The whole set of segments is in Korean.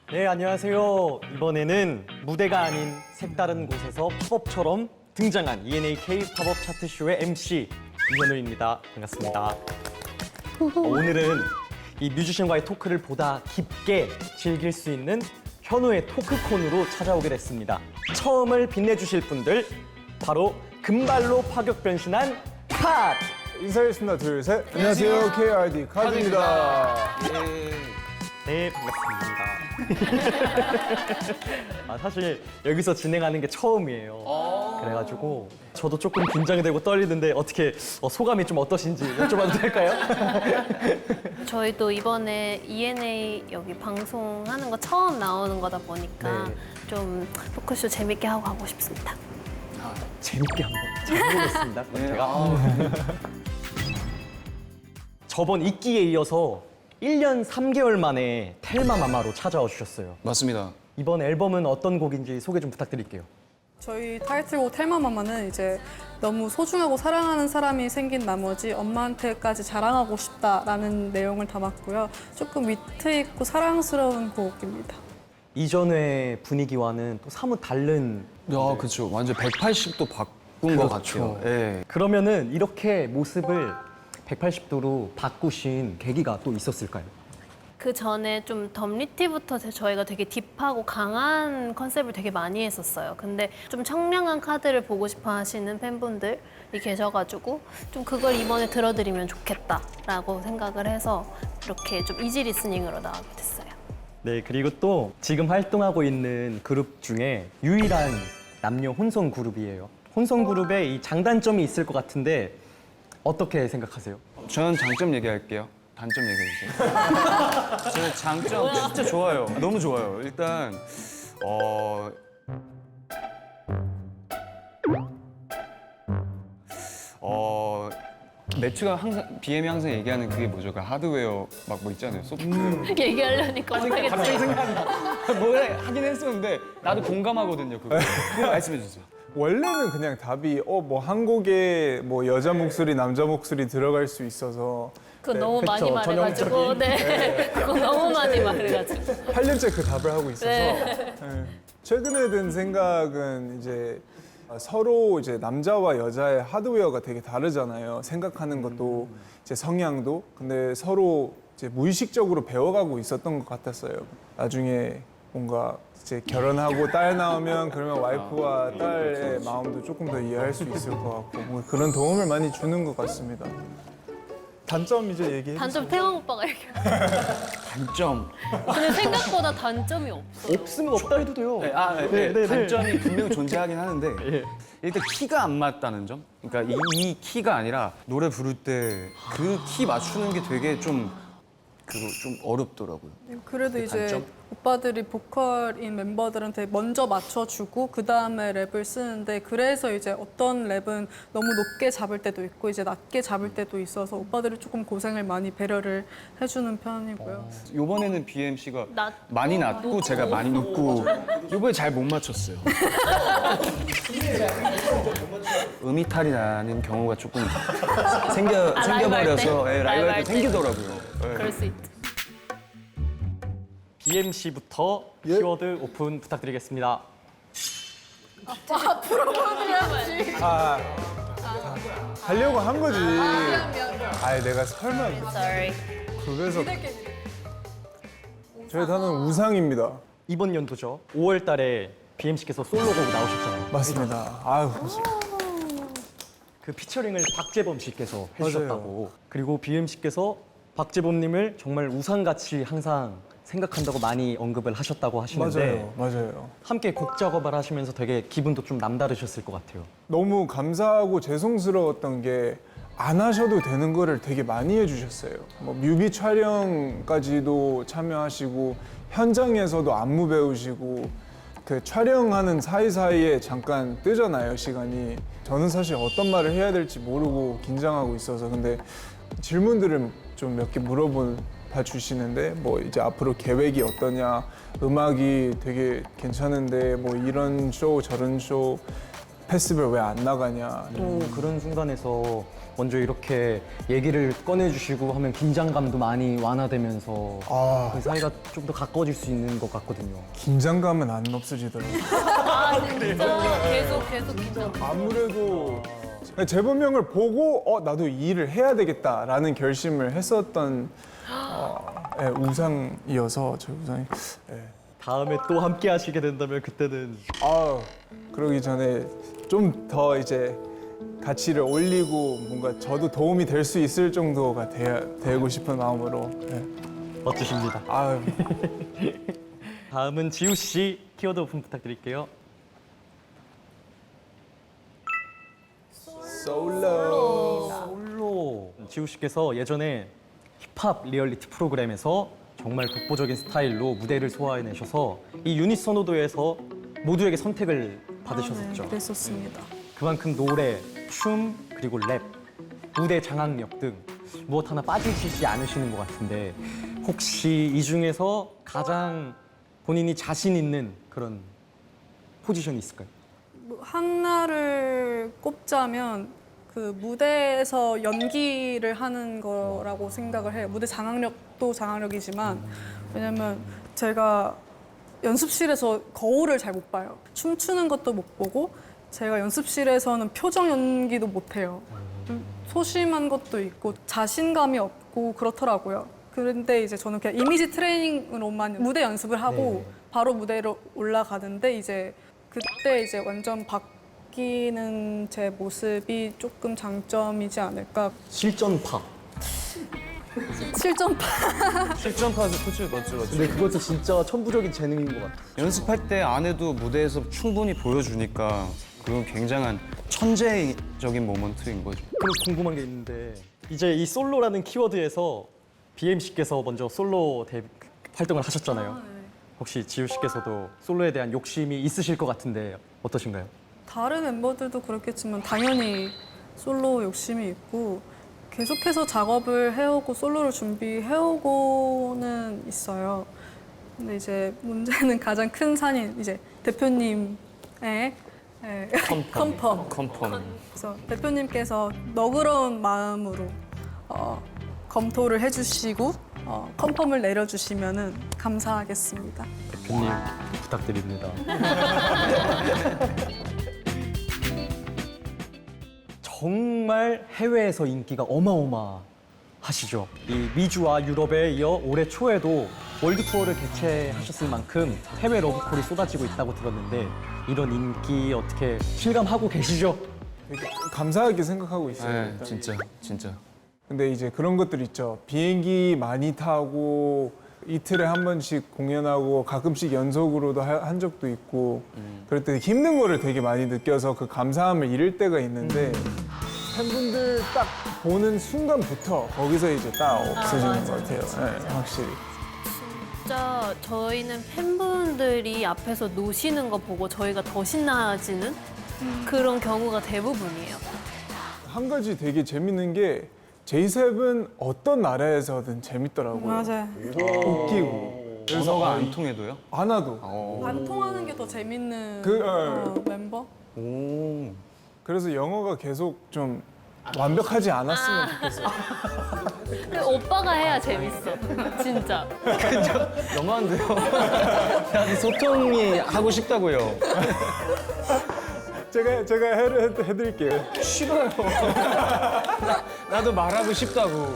네, 안녕하세요. 이번에는 무대가 아닌 색다른 곳에서 팝업처럼 등장한 ENAK 팝업 차트쇼의 MC 이현우입니다. 반갑습니다. 오늘은 이 뮤지션과의 토크를 보다 깊게 즐길 수 있는 현우의 토크콘으로 찾아오게 됐습니다. 처음을 빛내주실 분들, 바로 금발로 파격 변신한 카드! 인사드리겠습니다. 둘, 셋. 안녕하세요. KRD 카드입니다. 네, 반갑습니다. 사실 여기서 진행하는 게 처음이에요. 그래가지고 저도 조금 긴장되고 떨리는데 어떻게 소감이 좀 어떠신지 여쭤봐도 될까요? 저희도 이번에 ENA 여기 방송하는 거 처음 나오는 거다 보니까 네. 좀 토크쇼 재밌게 하고 가고 싶습니다. 재밌게 한번 해보겠습니다. 그럼 제가 저번 이끼에 이어서 1년 3개월 만에 텔마 마마로 찾아와 주셨어요. 맞습니다. 이번 앨범은 어떤 곡인지 소개 좀 부탁드릴게요. 저희 타이틀곡 텔마마마는 이제 너무 소중하고 사랑하는 사람이 생긴 나머지 엄마한테까지 자랑하고 싶다라는 내용을 담았고요. 조금 위트 있고 사랑스러운 곡입니다. 이전의 분위기와는 또 사뭇 다른. 야, 그렇죠. 완전 180도 바꾼 것 같아요. 예. 그러면은 이렇게 모습을 180도로 바꾸신 계기가 또 있었을까요? 그 전에 좀 덤리티부터 저희가 되게 딥하고 강한 컨셉을 되게 많이 했었어요. 근데 좀 청량한 카드를 보고 싶어 하시는 팬분들이 계셔가지고 좀 그걸 이번에 들어드리면 좋겠다라고 생각을 해서 이렇게 좀 이지 리스닝으로 나오게 됐어요. 네, 그리고 또 지금 활동하고 있는 그룹 중에 유일한 남녀 혼성 그룹이에요. 혼성 그룹에 이 장단점이 있을 것 같은데 어떻게 생각하세요? 저는 장점 얘기할게요. 단점 얘기해주세요. 저는 장점 진짜 좋아요. 너무 좋아요. 일단 매튜가 항상 BM이 항상 얘기하는 그게 뭐죠? 그 하드웨어 막 뭐 있잖아요. 소프트웨어. 얘기하려니까 못하겠지. 뭐래 하긴 했었는데 나도 공감하거든요. 그거 말씀해 주세요. 원래는 그냥 답이 뭐 한 곡에 뭐 여자 목소리, 남자 목소리 들어갈 수 있어서 그거 너무 많이 그쵸, 말해가지고 전형적인. 네. 그거 너무 많이 말해가지고 8년째 그 답을 하고 있어서 네. 네. 최근에 든 생각은 이제 서로 이제 남자와 여자의 하드웨어가 되게 다르잖아요. 생각하는 것도 이제 성향도. 근데 서로 이제 무의식적으로 배워가고 있었던 것 같았어요. 나중에 뭔가 이제 결혼하고 딸 나오면 그러면 와이프와 딸의 마음도 조금 더 이해할 수 있을 것 같고 뭐 그런 도움을 많이 주는 것 같습니다. 단점 이제 얘기해. 단점 태영 오빠가 얘기해. 단점. 근데 생각보다 단점이 없어. 없으면 없다 해도 돼요. 네, 단점이 분명 존재하긴 하는데 예. 일단 키가 안 맞다는 점. 그러니까 이 키가 아니라 노래 부를 때 그 키 맞추는 게 되게 좀 어렵더라고요. 그래도 이제 단점? 오빠들이 보컬인 멤버들한테 먼저 맞춰주고 그 다음에 랩을 쓰는데 그래서 이제 어떤 랩은 너무 높게 잡을 때도 있고 이제 낮게 잡을 때도 있어서 오빠들이 조금 고생을 많이 배려를 해주는 편이고요. 이번에는 BMC가 낮고 많이 낮고 제가 많이 높고 이번에 잘 못 맞췄어요. 음이탈이 나는 경우가 조금 생겨버려서 라이브 할 때? 라이브 할 때 때. 생기더라고요. 그럴 수 있다. BMC부터 키워드 오픈 부탁드리겠습니다. 하려고 한 거지. 내가 설마 Sorry. 그래서 저희 단어는 우상입니다. 이번 연도죠. 5월 달에 BMC께서 솔로곡 나오셨잖아요. 맞습니다. 아유, 그 피처링을 박재범 씨께서 맞아요. 해주셨다고. 그리고 BMC께서 박재범님을 정말 우상같이 항상 생각한다고 많이 언급을 하셨다고 하시는데 맞아요. 함께 곡 작업을 하시면서 되게 기분도 좀 남다르셨을 것 같아요. 너무 감사하고 죄송스러웠던 게 안 하셔도 되는 거를 되게 많이 해주셨어요. 뭐 뮤비 촬영까지도 참여하시고 현장에서도 안무 배우시고 그 촬영하는 사이사이에 잠깐 뜨잖아요, 시간이. 저는 사실 어떤 말을 해야 될지 모르고 긴장하고 있어서 근데 질문들을 좀 몇 개 물어봐 주시는데 뭐 이제 앞으로 계획이 어떠냐, 음악이 되게 괜찮은데 뭐 이런 쇼 저런 쇼 페스티벌 왜 안 나가냐. 또 그런 순간에서 먼저 이렇게 얘기를 꺼내주시고 하면 긴장감도 많이 완화되면서 아. 그 사이가 좀 더 가까워질 수 있는 것 같거든요. 긴장감은 안 없어지더라고요. 아 진짜 계속 긴장. 아무래도 재범형을 보고 나도 이 일을 해야 되겠다라는 결심을 했었던 우상이어서 제 우상이. 다음에 또 함께 하시게 된다면 그때는 그러기 전에 좀 더 이제 가치를 올리고 뭔가 저도 도움이 될 수 있을 정도가 되고 싶은 마음으로. 멋지십니다. 아유. 다음은 지우 씨 키워드 오픈 부탁드릴게요. 솔로. 지우 씨께서 예전에 힙합 리얼리티 프로그램에서 정말 독보적인 스타일로 무대를 소화해내셔서 이 유닛 선호도에서 모두에게 선택을 받으셨었죠. 네, 그랬었습니다. 그만큼 노래, 춤, 그리고 랩, 무대 장악력 등 무엇 하나 빠지시지 않으시는 것 같은데 혹시 이 중에서 가장 본인이 자신 있는 그런 포지션이 있을까요? 뭐 하나를 꼽자면 그 무대에서 연기를 하는 거라고 생각을 해요. 무대 장악력도 장악력이지만 왜냐면 제가 연습실에서 거울을 잘 못 봐요. 춤추는 것도 못 보고 제가 연습실에서는 표정 연기도 못 해요. 좀 소심한 것도 있고 자신감이 없고 그렇더라고요. 그런데 이제 저는 그냥 이미지 트레이닝으로만 무대 연습을 하고 바로 무대로 올라가는데 이제 그때 이제 완전 바뀌는 제 모습이 조금 장점이지 않을까. 실전파. 실전파. 실전파도 그치 맞죠. 근데 그것도 진짜 천부적인 재능인 것 같아요. 연습할 때 안 해도 무대에서 충분히 보여주니까 그건 굉장한 천재적인 모먼트인 거죠. 그럼 궁금한 게 있는데 이제 이 솔로라는 키워드에서 BM 씨께서 먼저 솔로 활동을 하셨잖아요. 혹시 지우 씨께서도 솔로에 대한 욕심이 있으실 것 같은데 어떠신가요? 다른 멤버들도 그렇겠지만 당연히 솔로 욕심이 있고 계속해서 작업을 해오고 솔로를 준비해오고는 있어요. 근데 이제 문제는 가장 큰 산인 이제 대표님의 컨펌. 컨펌. 그래서 대표님께서 너그러운 마음으로 검토를 해주시고 컨펌을 내려주시면은 감사하겠습니다. 대표님 부탁드립니다. 정말 해외에서 인기가 어마어마하시죠. 이 미주와 유럽에 이어 올해 초에도 월드 투어를 개최하셨을 만큼 해외 러브콜이 쏟아지고 있다고 들었는데 이런 인기 어떻게 실감하고 계시죠? 되게 감사하게 생각하고 있어요. 네, 일단. 진짜. 근데 이제 그런 것들 있죠. 비행기 많이 타고 이틀에 한 번씩 공연하고 가끔씩 연속으로도 한 적도 있고 그럴 때 힘든 거를 되게 많이 느껴서 그 감사함을 잃을 때가 있는데 팬분들 딱 보는 순간부터 거기서 이제 딱 없어지는 것 같아요. 네, 확실히. 진짜 저희는 팬분들이 앞에서 노시는 거 보고 저희가 더 신나지는 그런 경우가 대부분이에요. 한 가지 되게 재밌는 게 제이셉은 어떤 나라에서든 재밌더라고요. 맞아요. 웃기고. 그래서 언어가 안 통해도요? 안 와도. 안 통하는 게 더 재밌는 멤버? 오. 그래서 영어가 계속 좀 완벽하지 않았으면 좋겠어요. 근데 오빠가 해야 재밌어. 진짜. 너무한데요? 나도 소통이 하고 싶다고요. 제가 해드릴게요. 싫어요. 나도 말하고 싶다고.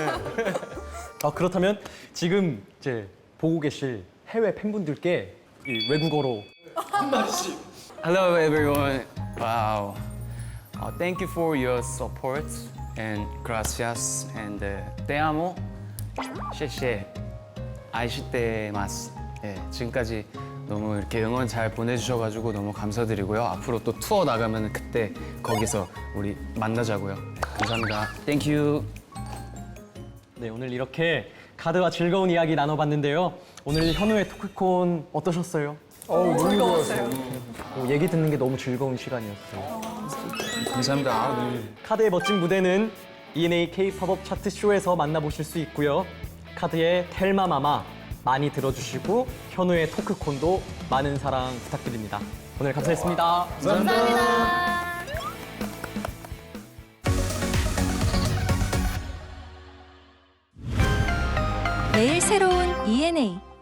그렇다면 지금 이제 보고 계실 해외 팬분들께 이 외국어로 Hello everyone. Wow. Thank you for your support and gracias and te amo. 谢谢. 아이시테마스. 예, 지금까지 너무 이렇게 응원 잘 보내주셔가지고 너무 감사드리고요. 앞으로 또 투어 나가면 그때 거기서 우리 만나자고요. 네, 감사합니다. Thank you. 네, 오늘 이렇게 카드와 즐거운 이야기 나눠봤는데요. 오늘 현우의 토크콘 어떠셨어요? 너무 좋았어요. 얘기 듣는 게 너무 즐거운 시간이었어요. 감사합니다. 너무 카드의 멋진 무대는 ENA K-팝업 차트 쇼에서 만나보실 수 있고요. 카드의 텔마마마 많이 들어주시고 현우의 토크콘도 많은 사랑 부탁드립니다. 오늘 감사했습니다. 감사합니다. 매일 새로운 ENA